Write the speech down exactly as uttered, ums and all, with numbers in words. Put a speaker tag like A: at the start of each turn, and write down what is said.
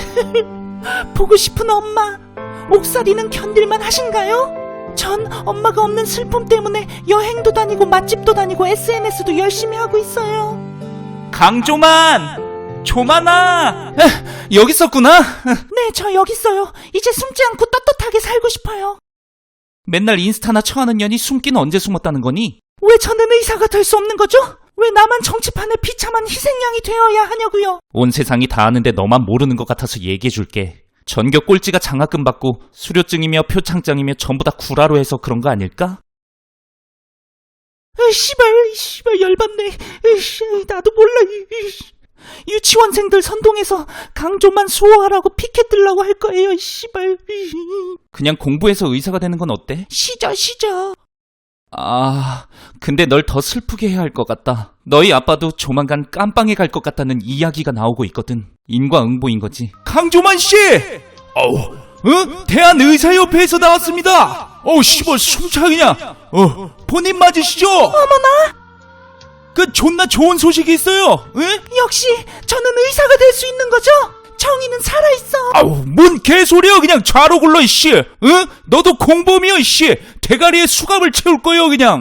A: 보고 싶은 엄마, 옥살이는 견딜만 하신가요? 전 엄마가 없는 슬픔 때문에 여행도 다니고 맛집도 다니고 에스엔에스도 열심히 하고 있어요.
B: 강조만! 조만아! 여기 있었구나?
A: 네, 저 여기 있어요. 이제 숨지 않고 떳떳하게 살고 싶어요.
B: 맨날 인스타나 쳐하는 년이 숨기는 언제 숨었다는 거니?
A: 왜 저는 의사가 될 수 없는 거죠? 왜 나만 정치판에 비참한 희생양이 되어야 하냐고요?
B: 온 세상이 다 아는데 너만 모르는 것 같아서 얘기해줄게. 전교 꼴찌가 장학금 받고 수료증이며 표창장이며 전부 다 구라로 해서 그런 거 아닐까?
A: 으, 씨발, 씨발, 열받네. 으이씨, 나도 몰라. 으이씨. 유치원생들 선동해서 강조만 수호하라고 피켓 들라고 할 거예요, 씨발. 으이씨.
B: 그냥 공부해서 의사가 되는 건 어때?
A: 시저, 시저.
B: 아, 근데 널 더 슬프게 해야 할 것 같다. 너희 아빠도 조만간 깜빵에 갈 것 같다는 이야기가 나오고 있거든. 인과응보인 거지. 강조만 씨! 어우, 어? 대한의사협회에서 나왔습니다. 어우, 씨발, 숨차 그냥. 어, 본인 맞으시죠?
A: 어머나!
B: 그 존나 좋은 소식이 있어요. 응?
A: 역시 저는 의사가 될 수 있는 거죠? 정의는 살아있어.
B: 아우, 뭔 개소리야. 그냥 좌로 굴러, 이씨. 응? 너도 공범이야, 이씨. 대가리에 수갑을 채울 거예요, 그냥.